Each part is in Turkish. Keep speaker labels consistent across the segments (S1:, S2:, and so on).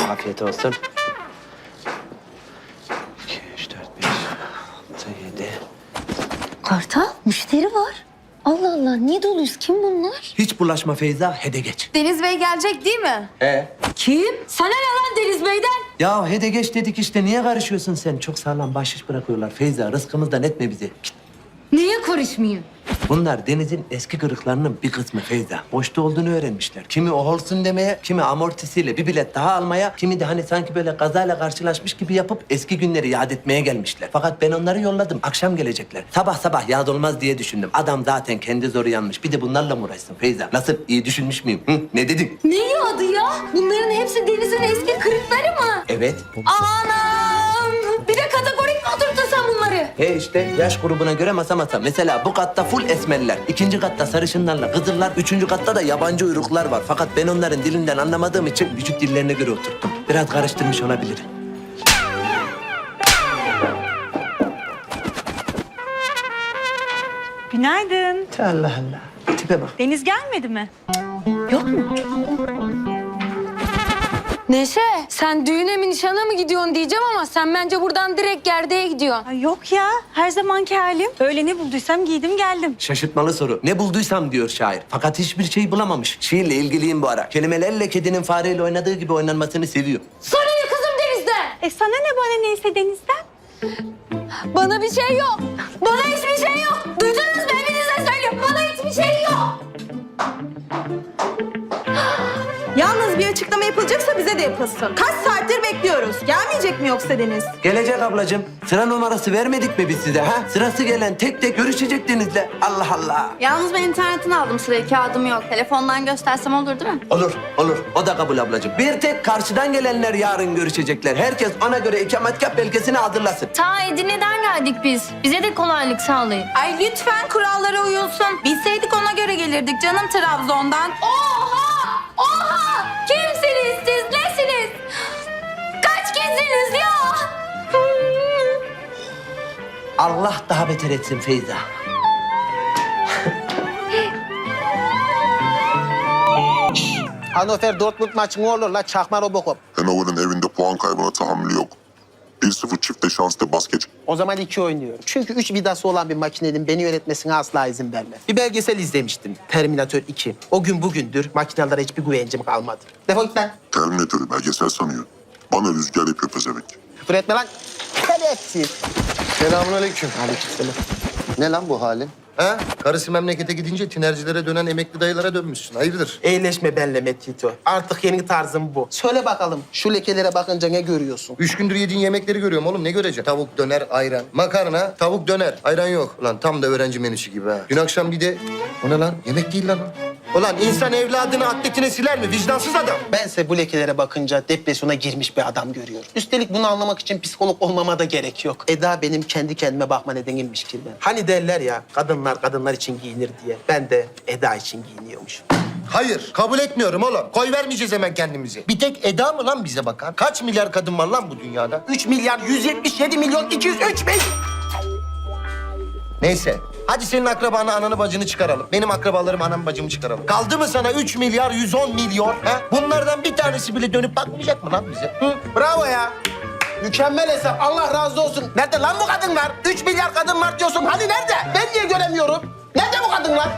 S1: Afiyet olsun. 2, 3, 4, 5, 6, 7.
S2: Kartal, müşteri var. Allah Allah, niye doluyuz? Kim bunlar?
S1: Hiç bulaşma Feyza, hede geç.
S3: Deniz Bey gelecek değil mi?
S1: He.
S2: Kim? Sana ne lan Deniz Bey'den?
S1: Ya hede geç dedik işte, niye karışıyorsun sen? Çok sağlam bahşiş bırakıyorlar Feyza, rızkımızdan etme bizi. Git.
S2: Niye karışmayayım?
S1: Bunlar denizin eski kırıklarının bir kısmı Feyza. Boşta olduğunu öğrenmişler. Kimi o olsun demeye, kimi amortisiyle bir bilet daha almaya, kimi de hani sanki böyle kazayla karşılaşmış gibi yapıp eski günleri yad etmeye gelmişler. Fakat ben onları yolladım. Akşam gelecekler. Sabah sabah yad olmaz diye düşündüm. Adam zaten kendi zoru yanmış. Bir de bunlarla mı uğraşsın Feyza? Nasıl, iyi düşünmüş müyüm? Hı? Ne dedin?
S2: Ne adı ya? Bunların hepsi Deniz'in eski kırıkları mı?
S1: Evet.
S2: Anam! Bir de kategorik mi oturttun sen bunları?
S1: He işte yaş grubuna göre masa masa. Mesela bu katta full esmerler. İkinci katta sarışınlarla kızıllar. Üçüncü katta da yabancı uyruklar var. Fakat ben onların dilinden anlamadığım için vücut dillerine göre oturttum. Biraz karıştırmış olabilirim.
S4: Günaydın.
S1: Allah Allah. Tipe bak.
S4: Deniz gelmedi mi?
S2: Neşe, sen düğüne mi nişana mı gidiyorsun diyeceğim ama sen bence buradan direkt gerdeğe gidiyorsun.
S4: Ay yok ya. Her zamanki halim. Öyle ne bulduysam giydim geldim.
S1: Şaşırtmalı soru. Ne bulduysam diyor şair. Fakat hiçbir şey bulamamış. Şiirle ilgiliyim bu ara. Kelimelerle kedinin fareyle oynadığı gibi oynanmasını seviyor.
S2: Sana ne kızım Deniz'den?
S4: Sana ne bana neyse Deniz'den.
S2: Bana bir şey yok. Bana hiçbir şey yok. Duydunuz mu? Hepinize söylüyorum. Bana hiçbir şey yok.
S5: Yalnız bir açıklama yapılacaksa bize de yapılsın. Kaç saattir bekliyoruz. Gelmeyecek mi yoksa Deniz?
S1: Gelecek ablacığım. Sıra numarası vermedik mi biz size ha? Sırası gelen tek tek görüşecek Deniz'le. Allah Allah.
S3: Yalnız ben internetten aldım sırayı, kağıdım yok. Telefondan göstersem olur değil mi?
S1: Olur, olur. O da kabul ablacığım. Bir tek karşıdan gelenler yarın görüşecekler. Herkes ona göre ikametgah belgesini hazırlasın.
S3: Ta Edirne'den geldik biz. Bize de kolaylık sağlayın.
S5: Ay lütfen kurallara uyulsun. Bilseydik ona göre gelirdik canım Trabzon'dan.
S2: Oha! Oha! Kimsiniz siz? Nesiniz? Kaç kişisiniz ya?
S1: Allah daha beter etsin Feyza.
S6: Hannover Dortmund maçı ne olur la çakma Robocop.
S7: Hannover'ın evinde puan kaybına tahammülü yok. 1-0 çifte şanslı basket.
S6: O zaman 2 oynuyorum. Çünkü 3 vidası olan bir makinenin beni yönetmesine asla izin vermem. Bir belgesel izlemiştim. Terminator 2. O gün bugündür makinelere hiçbir güvencim kalmadı. Defol git lan.
S7: Terminatörü belgesel sanıyor. Bana rüzgar yapıyor pezevenk.
S6: Küfür etme lan. Şerefsiz.
S8: Selamünaleyküm.
S6: Aleykümselam.
S8: Ne lan bu halin? Ha? Karısı memlekete gidince tinercilere dönen emekli dayılara dönmüşsün. Hayırdır?
S6: Eğleşme benle Metito. Artık yeni tarzım bu. Söyle bakalım şu lekelere bakınca ne görüyorsun?
S8: 3 gündür yediğin yemekleri görüyorum oğlum. Ne göreceksin? Tavuk, döner, ayran. Makarna, tavuk, döner. Ayran yok. Ulan tam da öğrenci menüsü gibi ha. Dün akşam bir de... O ne lan? Yemek değil lan o. Ulan insan evladını atletine siler mi? Vicdansız adam.
S6: Bense bu lekelere bakınca depresyona girmiş bir adam görüyorum. Üstelik bunu anlamak için psikolog olmama da gerek yok. Eda benim kendi kendime bakma nedenimmiş ki ben. Hani derler ya kadınlar için giyinir diye. Ben de Eda için giyiniyormuşum.
S8: Hayır, kabul etmiyorum oğlum. Koy vermeyeceğiz hemen kendimizi. Bir tek Eda mı lan bize bakan? Kaç milyar kadın var lan bu dünyada?
S6: 3 milyar 177 milyon 203 bin.
S8: Neyse. Hadi senin akrabanı, ananı, bacını çıkaralım. Benim akrabalarım, anamı, bacımı çıkaralım. Kaldı mı sana 3 milyar 110 milyon? Ha? Bunlardan bir tanesi bile dönüp bakmayacak mı lan bize?
S6: Hı, bravo ya. Mükemmel hesap. Allah razı olsun. Nerede lan bu kadınlar? 3 milyar kadın var diyorsun. Hani nerede? Ben niye göremiyorum? Nerede bu kadınlar?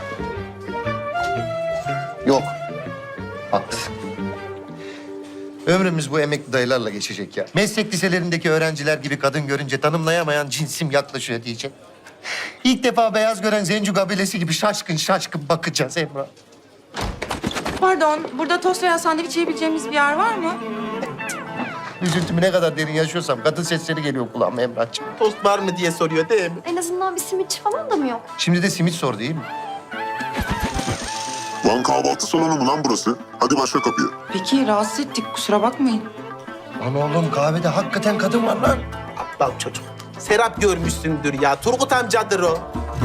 S8: Yok. Haklısın. Ömrümüz bu emekli dayılarla geçecek ya. Meslek liselerindeki öğrenciler gibi kadın görünce tanımlayamayan cinsim yaklaşıyor diyecek. İlk defa beyaz gören Zencu kabilesi gibi şaşkın şaşkın bakacağız Emrah.
S5: Pardon, burada tost veya sandviç yiyebileceğimiz bir yer var mı?
S8: Üzüntümü ne kadar derin yaşıyorsam kadın sesleri geliyor kulağıma Emrah'cığım.
S6: Tost var mı diye soruyor değil mi?
S3: En azından bir simitçi falan da mı yok?
S8: Şimdi de simit sor değil mi?
S7: Lan kahvaltı salonu mu lan burası? Hadi başka kapıya.
S5: Peki, rahatsız ettik. Kusura bakmayın.
S8: Lan oğlum kahvede hakikaten kadın var lan.
S6: Aptal çocuk. Serap görmüşsündür ya. Turgut amcadır o.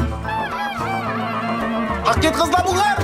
S6: Hak et kızla bunlar.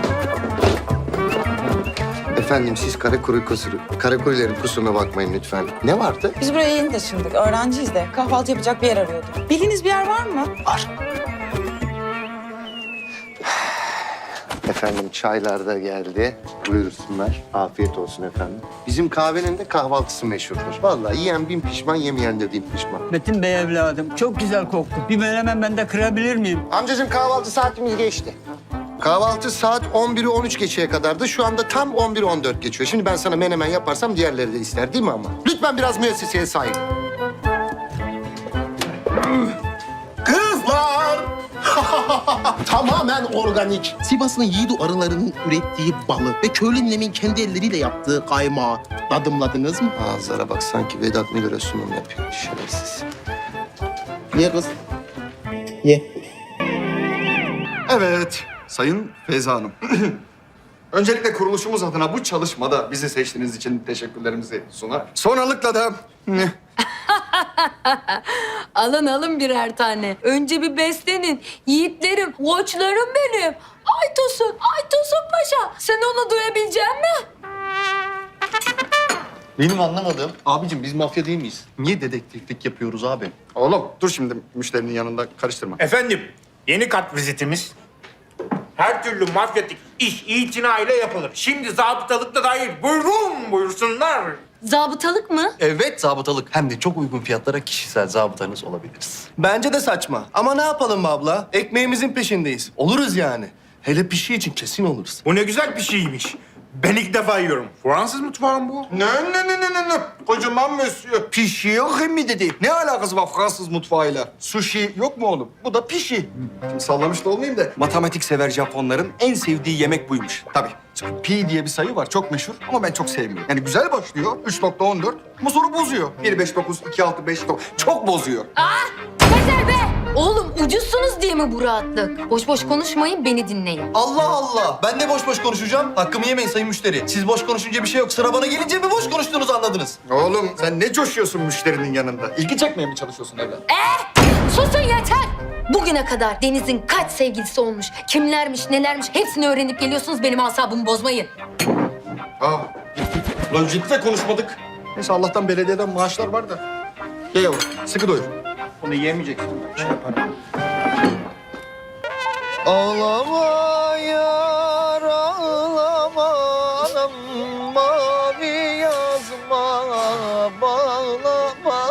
S8: Efendim siz Karakurilerin kusuruna bakmayın lütfen. Ne vardı?
S5: Biz buraya yeni taşındık. Öğrenciyiz de. Kahvaltı yapacak bir yer arıyorduk. Bildiğiniz bir yer var mı?
S8: Var. Efendim çaylar da geldi. Buyursunlar. Afiyet olsun efendim. Bizim kahvenin de kahvaltısı meşhurdur. Vallahi yiyen bin pişman, yemeyen de bin pişman.
S9: Metin Bey evladım çok güzel koktu. Bir menemen ben de kırabilir miyim?
S8: Amcacığım kahvaltı saatimiz geçti. Kahvaltı saat 11'i 13 geçeye kadardı. Şu anda tam 11'i 14 geçiyor. Şimdi ben sana menemen yaparsam diğerleri de ister değil mi ama? Lütfen biraz müesseseye sahip.
S6: Kızlar! Tamamen organik. Sivas'ın yiğidu arılarının ürettiği balı ve köylü ninemin kendi elleriyle yaptığı kaymağı tadımladınız mı?
S8: Ağızlara bak sanki Vedat Milor'a sunum yapıyor. Şerefsiz.
S6: Ye kız. Ye.
S10: Evet, Sayın Feyza Hanım. Öncelikle kuruluşumuz adına bu çalışmada bizi seçtiğiniz için teşekkürlerimizi sunar. Sonralıkla da...
S2: Alın birer tane. Önce bir beslenin. Yiğitlerim, koçlarım benim. Aytosun Paşa. Sen onu duyabilecek misin?
S10: Benim anlamadığım... Abicim biz mafya değil miyiz? Niye dedektiflik yapıyoruz abi? Oğlum dur şimdi müşterinin yanında karıştırma.
S11: Efendim, yeni kat vizitimiz. Her türlü mafyatik iş itinayla yapılır. Şimdi zabıtalık da dahil. Buyursunlar.
S2: Zabıtalık mı?
S12: Evet zabıtalık. Hem de çok uygun fiyatlara kişisel zabıtanız olabiliriz.
S13: Bence de saçma. Ama ne yapalım abla? Ekmeğimizin peşindeyiz. Oluruz yani. Hele pişi için kesin oluruz.
S11: Bu ne güzel bir şeymiş. Ben ilk defa yiyorum. Fransız mutfağı mı bu?
S10: Ne? Kocaman monsieur. Pişi yok mi dedi. Ne alakası var Fransız mutfağıyla? Sushi yok mu oğlum? Bu da pişi. Şimdi sallamış da olmayayım da. Matematik sever Japonların en sevdiği yemek buymuş. Tabii. Çünkü pi diye bir sayı var. Çok meşhur ama ben çok sevmiyorum. Yani güzel başlıyor. 3.14 ama sonra bozuyor. 1.59, 2.6, 5.9. Çok bozuyor.
S2: Yeter be! Oğlum ucuzsunuz diye mi bu rahatlık? Boş boş konuşmayın, beni dinleyin.
S13: Allah Allah. Ben de boş boş konuşacağım. Hakkımı yemeyin sayın müşteri. Siz boş konuşunca bir şey yok. Sıra bana gelince mi boş konuştuğunuzu anladınız?
S10: Oğlum sen ne coşuyorsun müşterinin yanında? İlgi çekmeye mi çalışıyorsun evlat?
S2: Susun yeter! Bugüne kadar Deniz'in kaç sevgilisi olmuş, kimlermiş, nelermiş hepsini öğrenip geliyorsunuz, benim asabımı bozmayın.
S10: Lan ciddi konuşmadık. Neyse Allah'tan belediyeden maaşlar var da. Ye yavrum, sıkı doyur. Onu yemeyeceksin. Şey yaparım.
S8: Ağlama yar ağlama anam mavi yazma bağlama.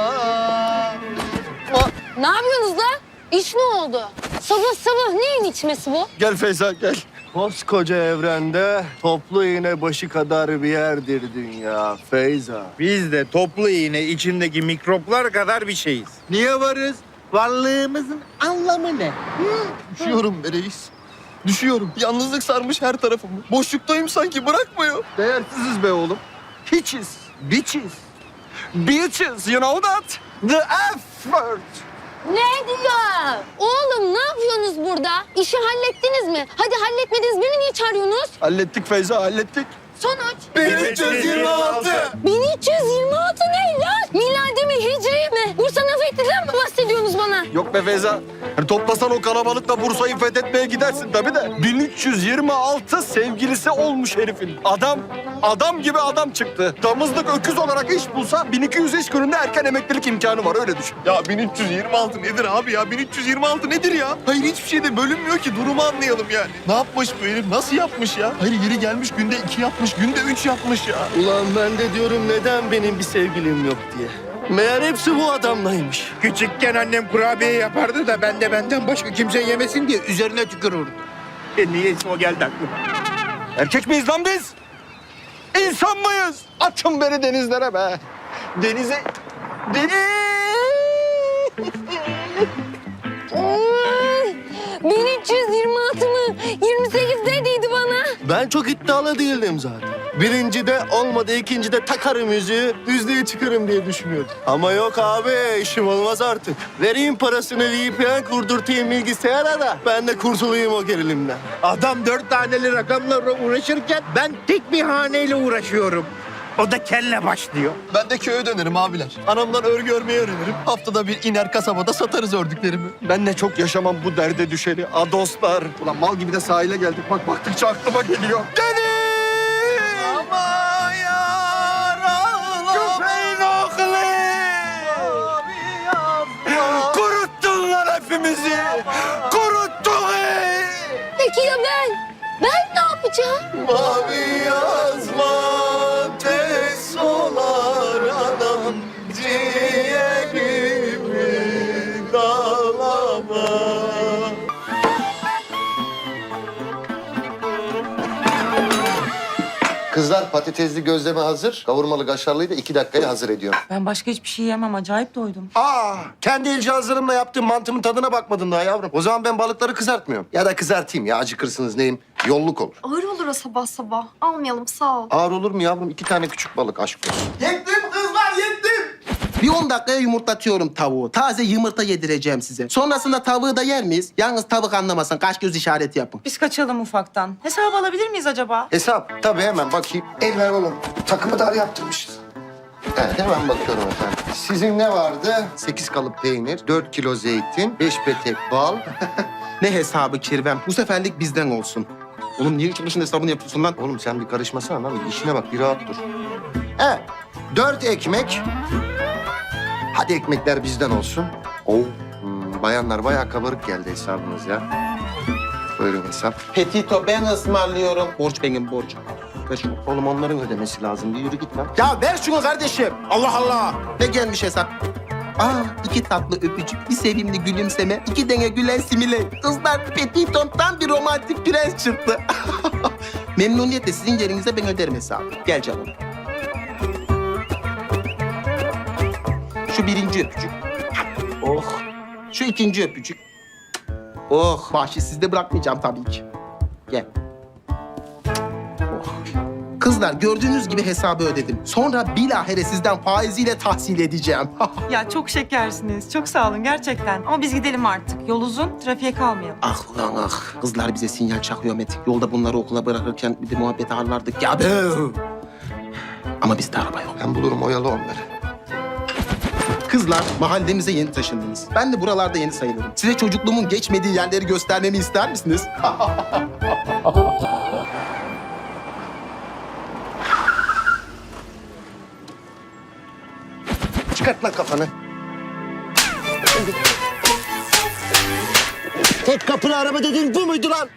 S2: Ne yapıyorsunuz lan? İş ne oldu? Sabah neyin içmesi bu?
S10: Gel Feyza gel.
S13: Koskoca evrende toplu iğne başı kadar bir yerdir dünya Feyza.
S11: Biz de toplu iğne içindeki mikroplar kadar bir şeyiz. Niye varız? Varlığımızın anlamı ne?
S13: Düşüyorum be reis. Düşüyorum. Yalnızlık sarmış her tarafımı. Boşluktayım sanki bırakmıyor.
S10: Değersiziz be oğlum. Hiçiz. Bitches. Bitches, you know that? The F word.
S2: Ne diyor? Oğlum ne yapıyorsunuz burada? İşi hallettiniz mi? Hadi halletmediniz, beni niye çağırıyorsunuz?
S10: Hallettik Feyza, hallettik.
S2: Sonuç?
S10: 1326.
S2: 1326 ne lan? Miladi mi, hicri mi? Bursa Nafetti'den mi bahsediyorsunuz bana?
S10: Yok be Feyza. Hani toplasan o kalabalıkla Bursa'yı fethetmeye gidersin tabii de. 1326 sevgilisi olmuş herifin. Adam gibi adam çıktı. Damızlık öküz olarak iş bulsa 1200 iş gününde erken emeklilik imkanı var öyle düşün.
S13: Ya 1326 nedir abi ya? 1326 nedir ya? Hayır hiçbir şeyde bölünmüyor ki. Durumu anlayalım yani. Ne yapmış bu herif? Nasıl yapmış ya? Hayır yeri gelmiş günde 2 yapmış, günde 3 yapmış ya. Ulan ben de diyorum neden benim bir sevgilim yok diye. Meğer hepsi bu adamlaymış.
S11: Küçükken annem kurabiye yapardı da ben de benden başka kimse yemesin diye üzerine tükürürdüm. Niyeyse o geldi aklıma.
S10: Erkek miyiz lan biz? İnsan mıyız? Atın beni denizlere be. Denize...
S2: Ay, 1326 mı? 28 dediydi bana.
S13: Ben çok iddialı değildim zaten. Birincide olmadı, ikincide takarım yüzüğü, düzlüğe çıkarım diye düşünüyordum. Ama yok abi, işim olmaz artık. Vereyim parasını VPN kurdurtayım bilgisayara da ben de kurtulayım o gerilimden.
S11: Adam 4 taneli rakamlarla uğraşırken ben tek bir haneyle uğraşıyorum. O da kelle başlıyor.
S13: Ben de köye dönerim abiler. Anamdan örgü örmeyi öğrenirim. Haftada bir iner kasabada satarız ördüklerimi.
S10: Ben de çok yaşamam bu derde düşeni. Adoslar. Ulan mal gibi de sahile geldik. Bak baktıkça aklıma geliyor. Deniz!
S13: Ama yar ağlama.
S10: Köpeğin oğlu! Kuruttun lan hepimizi! Kuruttun!
S2: Peki ya ben? yapacağım?
S13: Mavi yazma tez olar anam, ciğerimi dağlama.
S8: Kızlar patatesli gözleme hazır. Kavurmalı kaşarlıyı da 2 dakikaya hazır ediyorum.
S4: Ben başka hiçbir şey yemem. Acayip doydum.
S8: Kendi el cihazlarımla yaptığım mantımın tadına bakmadın daha yavrum. O zaman ben balıkları kızartmıyorum. Ya da kızartayım ya, acıkırsınız neyim? Yolluk olur.
S3: Ağır olur o sabah sabah. Almayalım sağ ol.
S8: Ağır olur mu yavrum? 2 tane küçük balık, aşk olsun.
S6: Yettim kızlar, yettim. Bir 10 dakikaya yumurtlatıyorum tavuğu. Taze yumurta yedireceğim size. Sonrasında tavuğu da yer miyiz? Yalnız tavuk anlamasın. Kaş göz işareti yapın.
S4: Biz kaçalım ufaktan. Hesap alabilir miyiz acaba?
S8: Hesap. Tabii hemen bakayım. El ver oğlum. Takımı dar yaptırmışız. Evet, hemen bakıyorum efendim. Sizin ne vardı? 8 kalıp peynir, 4 kilo zeytin, 5 petek bal.
S6: Ne hesabı Kirvem? Bu seferlik bizden olsun. Oğlum niye üçümüzün hesabını yapıyorsun lan?
S8: Oğlum sen bir karışmasana lan. İşine bak, bir rahat dur. Evet, 4 ekmek. Hadi ekmekler bizden olsun. Bayanlar bayağı kabarık geldi hesabınız ya. Buyurun hesap.
S6: Petito ben ısmarlıyorum. Borç benim borç. Ver şunu.
S8: Oğlum onların ödemesi lazım. Bir yürü git lan.
S6: Ya ver şunu kardeşim. Allah Allah. Ne gelmiş hesap? 2 tatlı öpücük, bir sevimli gülümseme, 2 dene gülen simile. Kızlar Petito'm tam bir romantik prens çıktı. Memnuniyetle sizin yerinize ben öderim hesabı. Gel canım. Şu 1. öpücük. Oh. Şu 2. öpücük. Oh. Bahşiş sizde bırakmayacağım tabii ki. Gel. Oh. Kızlar gördüğünüz gibi hesabı ödedim. Sonra bilahare sizden faiziyle tahsil edeceğim.
S4: Ya çok şekersiniz. Çok sağ olun gerçekten. Ama biz gidelim artık. Yol uzun, trafiğe kalmayalım.
S6: Ah ulan ah. Kızlar bize sinyal çakıyor Metin. Yolda bunları okula bırakırken bir de muhabbet ağırlardık ya. Ama bizde araba yok.
S8: Ben bulurum, oyalı onları.
S6: Kızlar mahallemize yeni taşındınız. Ben de buralarda yeni sayılırım. Size çocukluğumun geçmediği yerleri göstermemi ister misiniz?
S8: Çıkart lan kafanı. Tek kapılı araba dediğin bu muydu lan?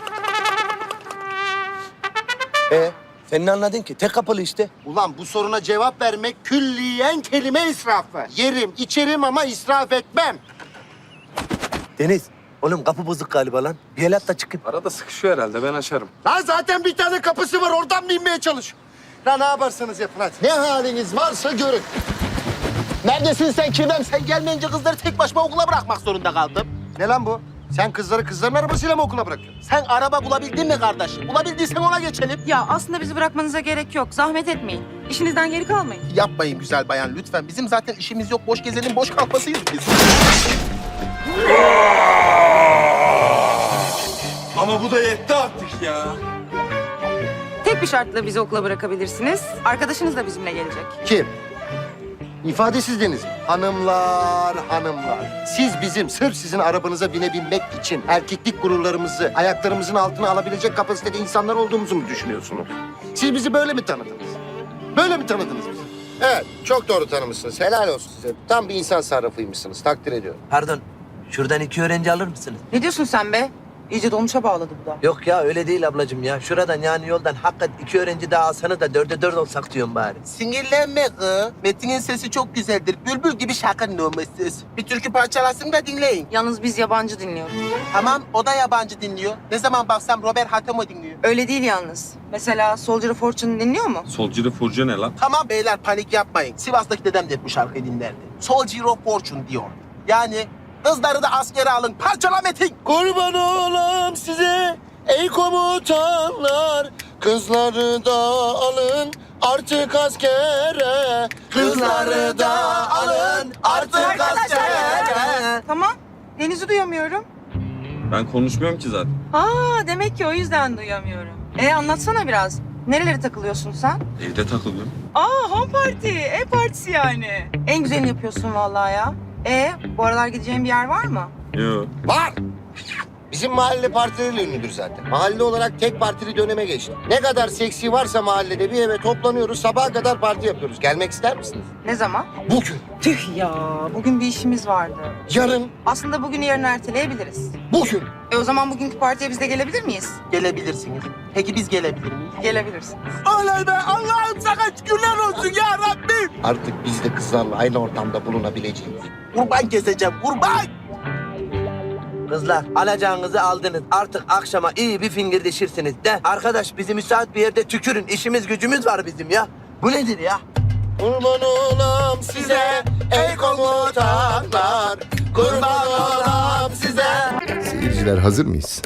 S1: Sen ne anladın ki? Tek kapılı işte.
S8: Ulan bu soruna cevap vermek külliyen kelime israfı. Yerim, içerim ama israf etmem.
S1: Deniz, oğlum kapı bozuk galiba lan. Bir el at da çıkayım.
S12: Arada sıkışıyor herhalde, ben açarım.
S8: Lan zaten bir tane kapısı var, oradan mı inmeye çalış? Lan ne yaparsanız yapın hadi. Ne haliniz varsa görün.
S6: Neredesin sen Kirvem? Sen gelmeyince kızları tek başıma okula bırakmak zorunda kaldım.
S8: Ne lan bu? Sen kızları kızların arabasıyla mı okula bırakıyorsun?
S6: Sen araba bulabildin mi kardeşim? Bulabildiysen ona geçelim.
S4: Ya aslında bizi bırakmanıza gerek yok. Zahmet etmeyin. İşinizden geri kalmayın.
S6: Yapmayın güzel bayan lütfen. Bizim zaten işimiz yok. Boş gezelim, boş kalmasıyız biz.
S10: Ama bu da yetti artık ya.
S4: Tek bir şartla bizi okula bırakabilirsiniz. Arkadaşınız da bizimle gelecek.
S8: Kim? İfadesiz Deniz mi? Hanımlar, hanımlar. Siz bizim sırf sizin arabanıza binebilmek için erkeklik gururlarımızı ayaklarımızın altına alabilecek kapasitede insanlar olduğumuzu mu düşünüyorsunuz? Siz bizi böyle mi tanıdınız? Böyle mi tanıdınız bizi? Evet, çok doğru tanımışsınız. Helal olsun size. Tam bir insan sarrafıymışsınız. Takdir ediyorum.
S1: Pardon, şuradan 2 öğrenci alır mısınız?
S4: Ne diyorsun sen be? İyice dolmuşa bağladı bu da.
S1: Yok ya öyle değil ablacığım ya. Şuradan yani yoldan hakikaten 2 öğrenci daha alsanız da 4'e 4 olsak diyorum bari.
S6: Sinirlenme kız. Metin'in sesi çok güzeldir. Bülbül gibi şarkının olması. Bir türkü parçalasın da dinleyin.
S4: Yalnız biz yabancı dinliyoruz.
S6: Tamam, o da yabancı dinliyor. Ne zaman baksam Robert Hatemo dinliyor.
S4: Öyle değil yalnız. Mesela Soldier of Fortune dinliyor mu?
S12: Solcu Furcu ne lan?
S6: Tamam beyler panik yapmayın. Sivas'taki dedem de hep bu şarkıyı dinlerdi. Soldier of Fortune diyor. Yani kızları da askere alın. Parçala Metin.
S8: Kurban olam size ey komutanlar. Kızları da alın artık askere.
S6: Kızları da alın artık askere.
S4: Tamam. Deniz'i duyamıyorum.
S12: Ben konuşmuyorum ki zaten.
S4: Demek ki o yüzden duyamıyorum. Anlatsana biraz. Nerelere takılıyorsun sen?
S12: Evde takılıyorum.
S4: Home party. Partisi yani. En güzelini yapıyorsun vallahi ya. Bu aralar gideceğin bir yer var mı?
S12: Yok.
S8: Var. Bizim mahalle partileriyle ünlüdür zaten. Mahalle olarak tek partili döneme geçti. Ne kadar seksi varsa mahallede bir eve toplanıyoruz, sabaha kadar parti yapıyoruz. Gelmek ister misiniz?
S4: Ne zaman?
S8: Bugün,
S4: Tüh ya. Bugün bir işimiz vardı.
S8: yarın,
S4: Aslında bugünü yarın erteleyebiliriz.
S8: bugün.
S4: O zaman bugünkü partiye biz de gelebilir miyiz?
S6: Gelebilirsiniz. Peki biz gelebilir miyiz?
S4: Gelebilirsiniz.
S13: Oley be Allah'ım sana şükürler olsun ya Rabbim.
S8: Artık biz de kızlarla aynı ortamda bulunabileceğiz.
S6: Kurban keseceğim, kurban!
S1: Kızlar alacağınızı aldınız. Artık akşama iyi bir fingirdeşirsiniz de. Arkadaş bizi müsait bir yerde tükürün. İşimiz gücümüz var bizim ya. Bu nedir ya?
S8: Kurban olam size ey komutanlar. Kurban olam size.
S13: Seyirciler hazır mıyız?